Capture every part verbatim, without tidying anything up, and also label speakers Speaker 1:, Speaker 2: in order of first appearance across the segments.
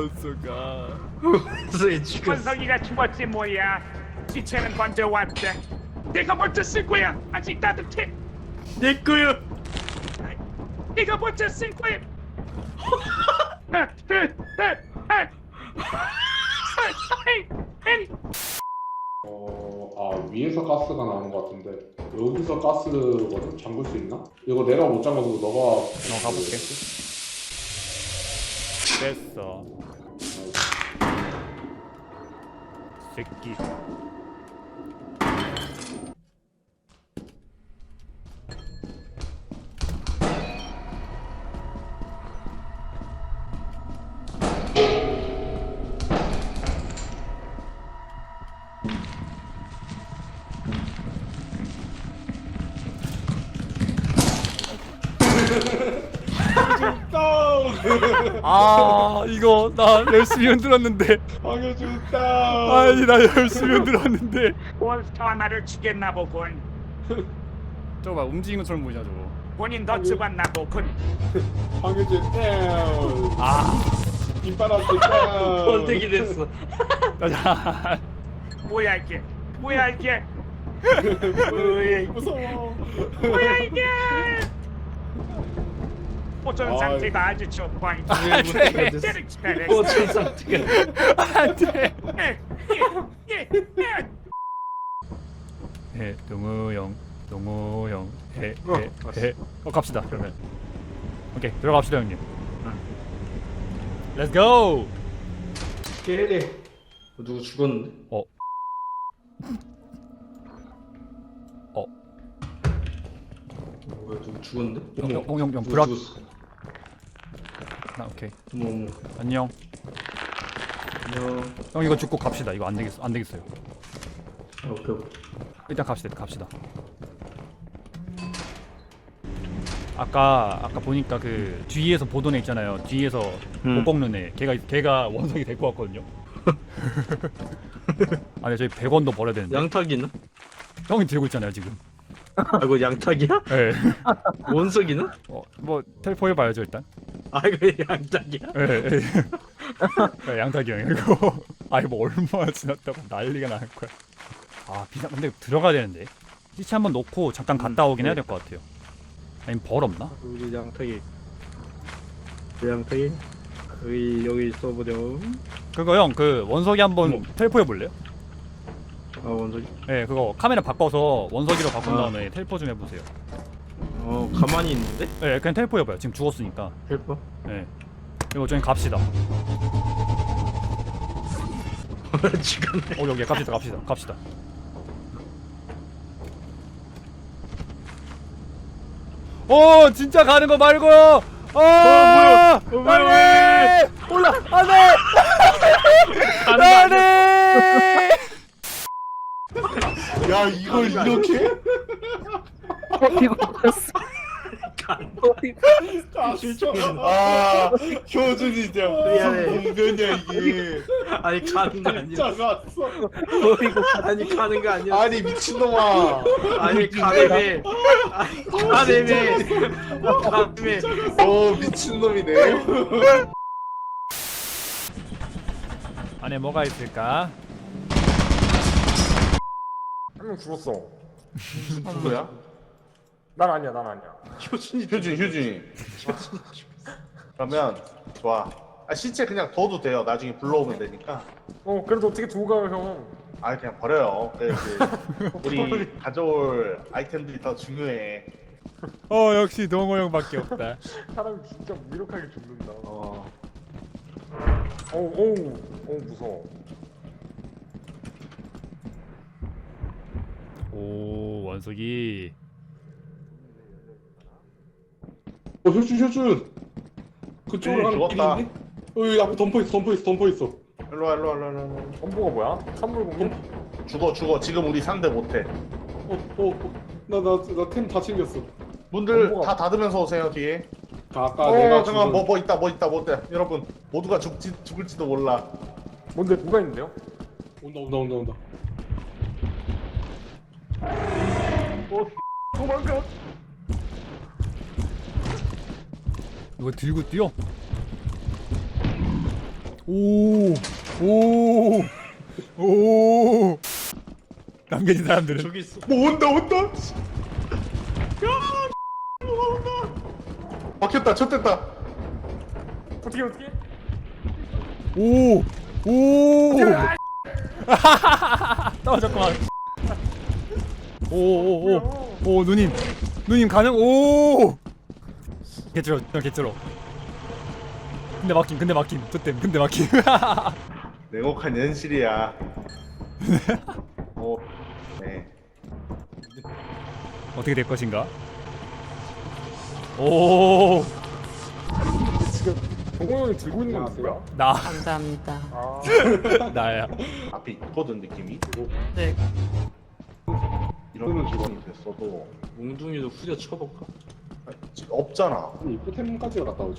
Speaker 1: 원소가
Speaker 2: 원숭이 죽였어.
Speaker 3: 원석이가 죽었지 뭐야. 시체는 먼저 왔대. 내가 먼저 쓸 거야. 아직 따뜻해.
Speaker 2: 내 거야.
Speaker 3: 내가 먼저 쓸 거야.
Speaker 4: 어, 아 위에서 가스가 나오는 것 같은데 여기서 가스거든? 잠글 수 있나? 이거 내가 못 잠가서 너가
Speaker 1: 너 가볼게. 됐어. 새끼. 아 이거 나 열심히 흔들었는데.
Speaker 4: 방해준다.
Speaker 1: 아니 나 열심히 흔들었는데.
Speaker 3: 몬스터 하나를 죽였나 보군.
Speaker 1: 저거 봐 움직이는 것처럼 보이냐 저거.
Speaker 3: 본인 더 죽었나 보군.
Speaker 4: 방해준다.
Speaker 1: 아
Speaker 4: 김바람 다
Speaker 2: 번뜩이 됐어.
Speaker 1: 자.
Speaker 3: 뭐야 이게? 뭐야 이게?
Speaker 2: 뭐야 이거.
Speaker 4: 무서워.
Speaker 3: 뭐야 이게? 보존
Speaker 4: 아이.
Speaker 3: 상태가 아주 좋고
Speaker 2: 번뜩이가 됐어. 보존 상태가.
Speaker 1: 안돼. 해 동우형 동우형 해해해 어 갑시다 그러면. 오케이 들어갑시다 형님. Let's go.
Speaker 2: 깨래. 누구 죽었는데?
Speaker 1: 어. 어.
Speaker 2: 뭐야 누구 죽었는데?
Speaker 1: 형, 형, 형, 형,
Speaker 2: 누구
Speaker 1: 브락.
Speaker 2: 죽었어?
Speaker 1: 나 오케이.
Speaker 2: 어머 어머.
Speaker 1: 안녕.
Speaker 2: 안녕.
Speaker 1: 형 이거 죽고 갑시다. 이거 안 되겠어. 안 되겠어요.
Speaker 2: 아, 오케이 오케이.
Speaker 1: 일단 갑시다. 일단 갑시다. 아까 아까 보니까 그 뒤에서 보던 애 있잖아요. 뒤에서
Speaker 2: 음.
Speaker 1: 못 꺾는 애. 걔가 걔가 원석이 될 것 같거든요. 아니 저희 백 원도 벌어야 되는데.
Speaker 2: 양탁이는?
Speaker 1: 형이 들고 있잖아요 지금.
Speaker 2: 아 이거 양탁이야?
Speaker 1: 예.
Speaker 2: 원석이는?
Speaker 1: 어, 뭐 텔포 해봐야죠 일단.
Speaker 2: 아 이거 양탁이야?
Speaker 1: 예. 예. 야, 양탁이 형 이거. 아니 뭐 얼마나 지났다고 난리가 날 거야. 아 비상 근데 들어가야 되는데. 시체 한번 놓고 잠깐 갔다 오긴
Speaker 2: 네.
Speaker 1: 해야 될 것 같아요. 아니면 벌 없나?
Speaker 2: 우리 양탁이. 그 양탁이. 여기 여기 있어보렴.
Speaker 1: 그거 형 그 원석이 한번
Speaker 2: 어머.
Speaker 1: 텔포 해볼래요?
Speaker 2: 아 원석이.
Speaker 1: 네 그거 카메라 바꿔서 원석이로 바꾼
Speaker 2: 아.
Speaker 1: 다음에 텔포 좀 해보세요.
Speaker 2: 어 가만히 있는데?
Speaker 1: 네 그냥 텔포 해봐요. 지금 죽었으니까.
Speaker 2: 헬퍼?
Speaker 1: 네 이거 저희 갑시다.
Speaker 2: 죽었네.
Speaker 1: 어 여기 갑시다 갑시다 갑시다. 오 진짜 가는 거 말고요. 어
Speaker 2: 뭐야? 어, 뭐야?
Speaker 1: 안돼 올라 안돼 안돼.
Speaker 4: 야 이걸 이렇게? 아 진짜. 아 효준이 진짜
Speaker 2: 미안해.
Speaker 4: 무슨 공변이야 이게.
Speaker 2: 아니 가는 거 아니야.
Speaker 4: 진짜 갔어.
Speaker 2: 아니 가는 거 아니야.
Speaker 4: 아니 미친놈아.
Speaker 2: 아니 가래매. 아니 가래매. 가래매.
Speaker 4: 어 미친놈이네.
Speaker 1: 안에 뭐가 있을까?
Speaker 5: 한 명 죽었어.
Speaker 4: 누구야?
Speaker 5: 난 아니야, 난 아니야.
Speaker 2: 효준이
Speaker 4: 효준이 효준이. 그러면 좋아. 아 시체 그냥 둬도 돼요. 나중에 불러오면 되니까.
Speaker 5: 어, 그래도 어떻게 두고 가요, 형?
Speaker 4: 아 그냥 버려요. 그, 그, 우리 가져올 아이템들이 더 중요해.
Speaker 1: 어 역시 동호 형밖에 없다.
Speaker 5: 사람이 진짜 무력하게 죽는다.
Speaker 4: 어.
Speaker 5: 어우, 어우, 어우, 무서워.
Speaker 1: 오 원석이.
Speaker 4: 어 효준 효준. 그쪽으로 가는 길이
Speaker 6: 죽었다.
Speaker 4: 있네? 어 여기 앞에 덤퍼 있어 덤퍼 있어 덤퍼 있어.
Speaker 6: 일로와 일로와 일로와 일로와.
Speaker 5: 엄보가 뭐야? 산물공룡?
Speaker 6: 죽어 죽어. 지금 우리 상대 못해.
Speaker 4: 어어나나 템 다 챙겼어.
Speaker 6: 문들
Speaker 5: 정보가-
Speaker 6: 다 닫으면서 오세요 뒤에.
Speaker 4: 다 아까
Speaker 6: 어
Speaker 4: 내가
Speaker 6: 잠깐
Speaker 4: 죽은-
Speaker 6: 뭐 뭐 있다 뭐 있다 뭐 있다. 여러분 모두가 죽지 죽을지도 몰라.
Speaker 5: 뭔데, 뭐가 있는데요?
Speaker 4: 온다 온다 온다 온다.
Speaker 5: 도망가!
Speaker 1: 이거 들고 뛰어. 오, 오, 오. 남겨진 사람들은
Speaker 2: 저기 있어.
Speaker 6: 뭐 온다 온다. 야, 뭐 온다. 막혔다. 쳤댔다.
Speaker 5: 어떻게 어떻게?
Speaker 1: 오, 오. 떨어졌구만. 오, 오, 오, 오, 누님, 누님 가능? 오. 개쩔어, 개쩔어. 근데 막힘, 근데 막힘, 저땜, 근데 막힘.
Speaker 6: 냉혹한 현실이야. 어, 네.
Speaker 1: 어떻게 될 것인가? 오,
Speaker 5: 지금 동호 형이 들고 있는 건 누구야?
Speaker 1: 나,
Speaker 7: 감사합니다.
Speaker 5: 아,
Speaker 1: 나야.
Speaker 6: 앞에 있거든 느낌이.
Speaker 7: 네.
Speaker 6: 이런 직원이 됐어도
Speaker 2: 몽둥이도 후려 쳐볼까?
Speaker 6: 아니, 지금 없잖아.
Speaker 4: 이 포템까지 갔다 오죠.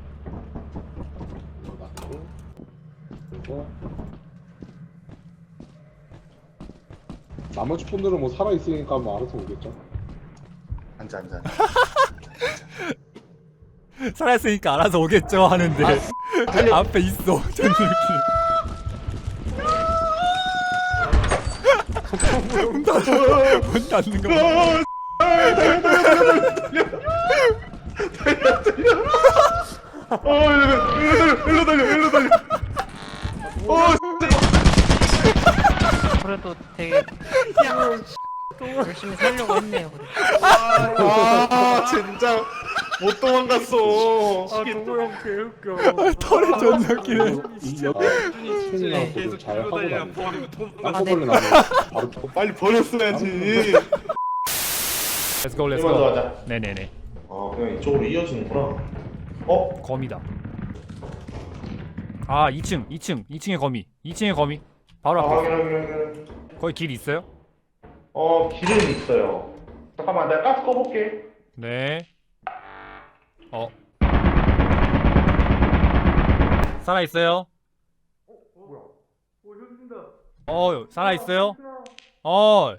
Speaker 4: 이거 놔두고, 그리고 나머지 폰들은 뭐 살아 있으니까 뭐 알아서 오겠죠.
Speaker 6: 앉아 앉아.
Speaker 1: 살아있으니까 알아서 오겠죠 하는데 앞에 있어. 전들끼리. 문 닫아. 문 닫는 거 봐.
Speaker 6: 어, 일로 일로 달려, 일로 달려.
Speaker 7: 그래도 되게 열심히 살려고 했네요. 그래도.
Speaker 6: 아, 진짜 못 도망갔어.
Speaker 5: 아 동호 형 개웃겨.
Speaker 1: 털이 존나 웃기네.
Speaker 4: 이 옆에 손이랑
Speaker 2: 계속
Speaker 4: 잘 하고
Speaker 2: 끌고
Speaker 4: 다니.
Speaker 2: 다니면 또
Speaker 4: 한꺼번에 나면 바로 또
Speaker 6: 빨리 버렸어야지.
Speaker 1: Let's go, let's
Speaker 6: 이만 더
Speaker 1: go.
Speaker 6: 하자.
Speaker 1: 네네네.
Speaker 6: 아, 그냥 이쪽으로 이어지는구나. 어?
Speaker 1: 거미다. 아, 이 층, 이 층, 이 층에 거미. 이 층에 거미. 바로
Speaker 6: 아,
Speaker 1: 앞에.
Speaker 6: 확인, 확인, 확인.
Speaker 1: 거기 길 있어요?
Speaker 6: 어, 길은 있어요. 잠깐만, 내가 가스 꺼볼게.
Speaker 1: 네. 어. 살아 있어요? 어, 살아 있어요? 어.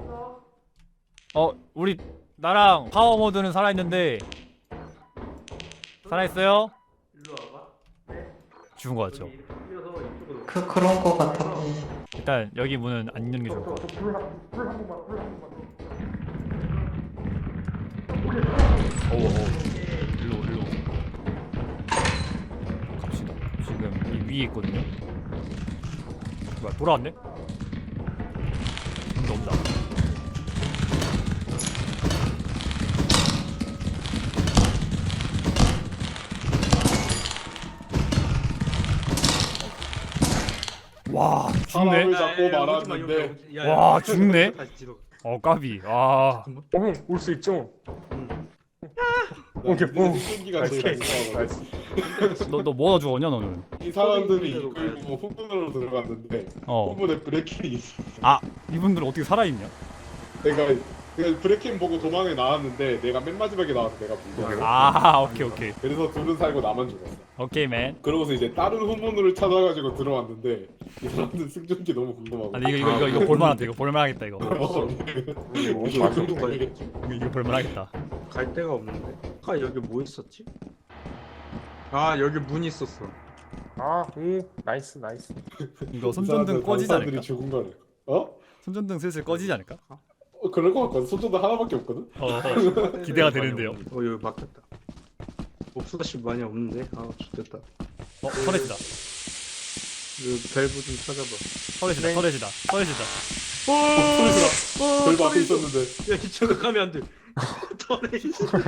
Speaker 1: 어, 우리 나랑 파워 모드는 살아 있는데. 살아 있어요? 죽은 거 같죠?
Speaker 7: 그 그런 거 같았군요.
Speaker 1: 일단 여기 문은 안 여는 게 좋을 것 같아.
Speaker 5: 불한 번만 불한 번만.
Speaker 1: 오, 오. 일로, 일로. 갑시다. 지금 이 위에 있거든요. 뭐야, 돌아왔네? 문도 없다. 와, 죽네.
Speaker 4: 사람을 잡고 말았는데
Speaker 1: 와, 죽네.
Speaker 2: 다시 뒤로.
Speaker 1: 어, 까비. 아,
Speaker 5: 동호 형올수 있죠?
Speaker 4: 오케이
Speaker 5: 뭐.
Speaker 4: 생기가 제일 무서워.
Speaker 1: 너, 너 뭐가 죽었냐, 너는?
Speaker 4: 이 사람들이 이끌고 후문으로 들어갔는데
Speaker 1: 어.
Speaker 4: 후문에 브레킹이 있어.
Speaker 1: 아, 이분들은 어떻게 살아있냐?
Speaker 4: 내가 내가 브레킹 보고 도망에 나왔는데 내가 맨 마지막에 나와서 내가 불려.
Speaker 1: 아, 오케이, 오케이.
Speaker 4: 그래서 둘은 살고 나만 죽었어.
Speaker 1: 오케이, 맨.
Speaker 4: 그러고서 이제 다른 후문으로 찾아가지고 들어왔는데 이 사람들 승전기 너무 궁금하고.
Speaker 1: 아니, 이거, 이거, 이거, 이거 볼만하다. 이거 볼만하겠다, 이거.
Speaker 4: 어,
Speaker 2: 어디로 가야 되지?
Speaker 1: 이거, 이거 볼만하겠다.
Speaker 2: 갈 데가 없는데. 아 여기 뭐 있었지? 아 여기 문 있었어.
Speaker 5: 아, 오, 나이스 나이스.
Speaker 1: 이거 손전등 꺼지지 않을까?
Speaker 4: 사람들이 죽은 거래. 어?
Speaker 1: 손전등 슬슬 꺼지지 않을까?
Speaker 4: 어 그럴 것 같거든. 손전등 하나밖에 없거든.
Speaker 1: 어, 어. 기대가 되는데요.
Speaker 2: 어 여기 막혔다. 옵스다시 많이 없는데. 아 좋겠다.
Speaker 1: 어, 터렛이다.
Speaker 2: 그 밸브 좀 찾아봐.
Speaker 1: 터렛이다, 터렛이다, 터렛이다.
Speaker 2: 어,
Speaker 4: 별거 앞에 있었는데.
Speaker 2: 야 이쪽으로 가면 안 돼. 터렛.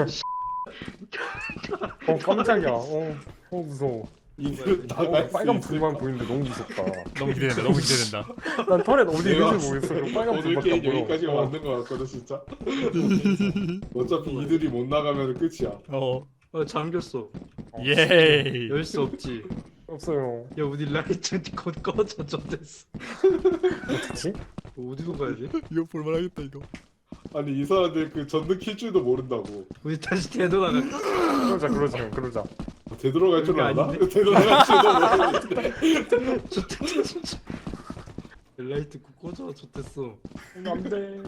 Speaker 5: 어 깜짝이야. 어, 어 무서워.
Speaker 4: 이들
Speaker 5: 어,
Speaker 4: 나갈 수
Speaker 5: 빨간
Speaker 4: 있을
Speaker 5: 불만 보이는데 너무 무섭다.
Speaker 1: 너무 기대된다, 너무 기대된다.
Speaker 5: 난 털에 어디
Speaker 4: 내가
Speaker 5: 있는지 모르겠어. 그 빨간
Speaker 4: 오늘
Speaker 5: 불밖에 안
Speaker 4: 게임
Speaker 5: 보여.
Speaker 4: 여기까지가
Speaker 5: 어.
Speaker 4: 맞는 거 같거든 진짜. 어차피 이들이 못 나가면 끝이야.
Speaker 1: 어,
Speaker 2: 어 잠겼어.
Speaker 1: 예이.
Speaker 2: 열 수 없지.
Speaker 5: 없어요.
Speaker 2: 야 우리 라이트 곧 꺼져 저 됐어.
Speaker 5: 어떡지?
Speaker 2: 어디로 가야 돼?
Speaker 1: 이거 볼만하겠다, 이거.
Speaker 4: 아니 이 사람들 그 전등 킬 줄도 모른다고.
Speaker 2: 우리 다시 되돌아갈까?
Speaker 5: 그러자 그러자 그러자.
Speaker 4: 되돌아갈 줄
Speaker 2: 그게
Speaker 4: 알아?
Speaker 2: 아닌데?
Speaker 4: 되돌아갈 줄도 모르는데.
Speaker 2: 좋댔다 진짜. 라이트 곧 꺼져 저 됐어.
Speaker 5: 안돼.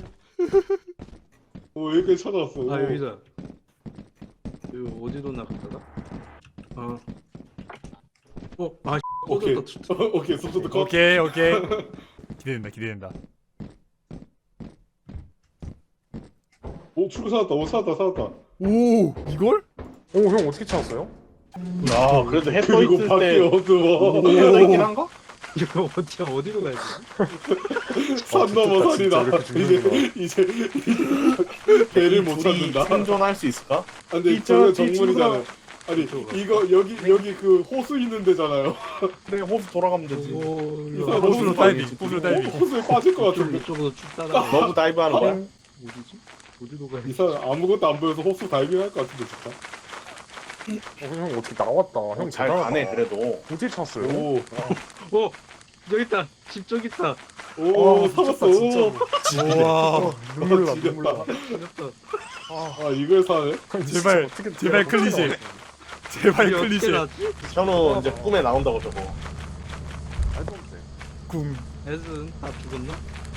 Speaker 4: 오 여기까지 찾아왔어.
Speaker 2: 아 여기다. 여기 어디로 나갔다가? 아. 어, 아
Speaker 4: 오케이.
Speaker 2: 쏟았다,
Speaker 4: 오케이 소프트 컷.
Speaker 1: 오케이 오케이. 기대된다 기대된다.
Speaker 4: 오 출구 찾았다. 오 찾았다 찾았다.
Speaker 1: 오 이걸?
Speaker 5: 오, 형 어떻게 찾았어요?
Speaker 6: 아 그래도 해 떠
Speaker 4: 그리고
Speaker 6: 있을
Speaker 4: 밖에
Speaker 6: 때
Speaker 4: 어두워.
Speaker 6: 떠 있긴 한가?
Speaker 2: 이거 어디 어디로 가야 돼?
Speaker 4: 산 넘어 산이다.
Speaker 5: 진짜 이렇게
Speaker 4: 이제 이제 배를 못
Speaker 6: 둘이
Speaker 4: 찾는다.
Speaker 6: 생존할 수 있을까?
Speaker 4: 아, 근데
Speaker 5: 이
Speaker 4: 저거
Speaker 5: 저- 이
Speaker 4: 정문이잖아요. 아니 이거 여기 여기 그 호수 있는 데잖아요.
Speaker 6: 그래 호수 돌아가면 되지.
Speaker 2: 오,
Speaker 4: 이
Speaker 2: 이거
Speaker 4: 사람
Speaker 1: 호수로
Speaker 4: 호수
Speaker 1: 다이빙,
Speaker 4: 빠지-
Speaker 1: 호수로 다이빙.
Speaker 4: 호- 호수에 빠질 것
Speaker 2: 좀
Speaker 4: 같은데.
Speaker 2: 이쪽으로 쭉 따라.
Speaker 6: 너무 다이브하는 거야?
Speaker 2: 어디지? 어디로 가야
Speaker 4: 이
Speaker 2: 돼?
Speaker 4: 사람 아무것도 안 보여서 호수 다이빙 할 것 같은데 진짜.
Speaker 5: 어, 형 어떻게 나왔다. 형
Speaker 6: 잘
Speaker 5: 대단하다.
Speaker 6: 가네 그래도.
Speaker 5: 어떻게 찾았어요?
Speaker 4: 오,
Speaker 2: 오 여기 있다. 집 저기 있다.
Speaker 4: 오,
Speaker 5: 아,
Speaker 4: 살았어.
Speaker 5: 미쳤다, 진짜로.
Speaker 1: 와
Speaker 5: 눈물 나,
Speaker 4: 지렸다.
Speaker 5: 눈물 나.
Speaker 2: 생겼다.
Speaker 4: 아 이걸 사네?
Speaker 1: 제발
Speaker 5: 어떻게
Speaker 1: 제발
Speaker 5: 어떻게
Speaker 1: 클리셰.
Speaker 5: 나왔지?
Speaker 1: 제발
Speaker 2: 이게 어떻게
Speaker 1: 클리셰.
Speaker 2: 나왔지?
Speaker 6: 현우 이제 꿈에 나온다고 저거.
Speaker 5: 말도 안 돼.
Speaker 1: 궁.
Speaker 2: 애는 다 죽었나?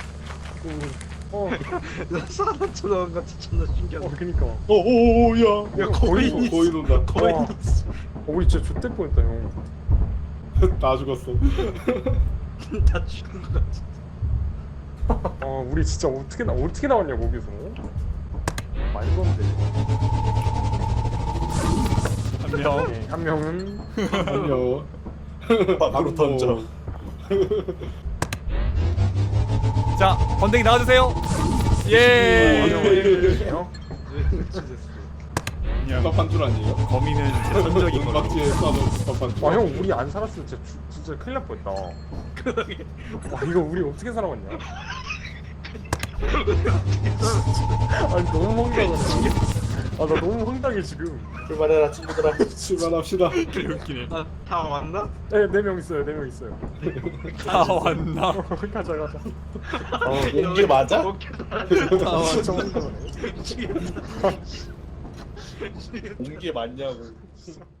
Speaker 5: 어,
Speaker 2: 나 사람처럼 같이 존나 신기하다.
Speaker 5: 어, 그니까.
Speaker 4: 오오오야.
Speaker 5: 야, 거의
Speaker 4: 거인 거인 온다.
Speaker 2: 거의
Speaker 5: 와. 어, 우리 진짜 좆될 뻔했다, 형.
Speaker 4: 다 죽었어.
Speaker 2: 다 죽은 것 같아.
Speaker 5: 아, 우리 진짜 어떻게 나 어떻게 나왔냐 거기서? 말도 안 돼.
Speaker 1: 한 명.
Speaker 5: 오케이, 한 명은
Speaker 4: 안녕.
Speaker 6: 바로 던져.
Speaker 1: 자 번댕이 나와주세요. 예.
Speaker 5: 형.
Speaker 1: 그냥
Speaker 4: 밥한 줄 아니에요?
Speaker 1: 거미는 제 선적인 걸로.
Speaker 4: 막지에 싸놓은 밥한 줄.
Speaker 5: 아, 형 우리 안 살았으면 진짜 주- 진짜 큰일 날 뻔했다. 와, 이거 우리 어떻게 살아왔냐? 아니 너무 황당하네. 아, 나 너무 황당해 지금.
Speaker 6: 출발해라 친구들아.
Speaker 4: 출발합시다.
Speaker 1: 웃기네.
Speaker 2: 아, 다 왔나?
Speaker 5: 네, 네 명 있어요, 네 명 있어요.
Speaker 1: 다 왔나?
Speaker 5: 가자, 가자.
Speaker 6: 어, 이게 맞아?
Speaker 5: 아, 진짜 황당하네.
Speaker 6: 온 게 맞냐고.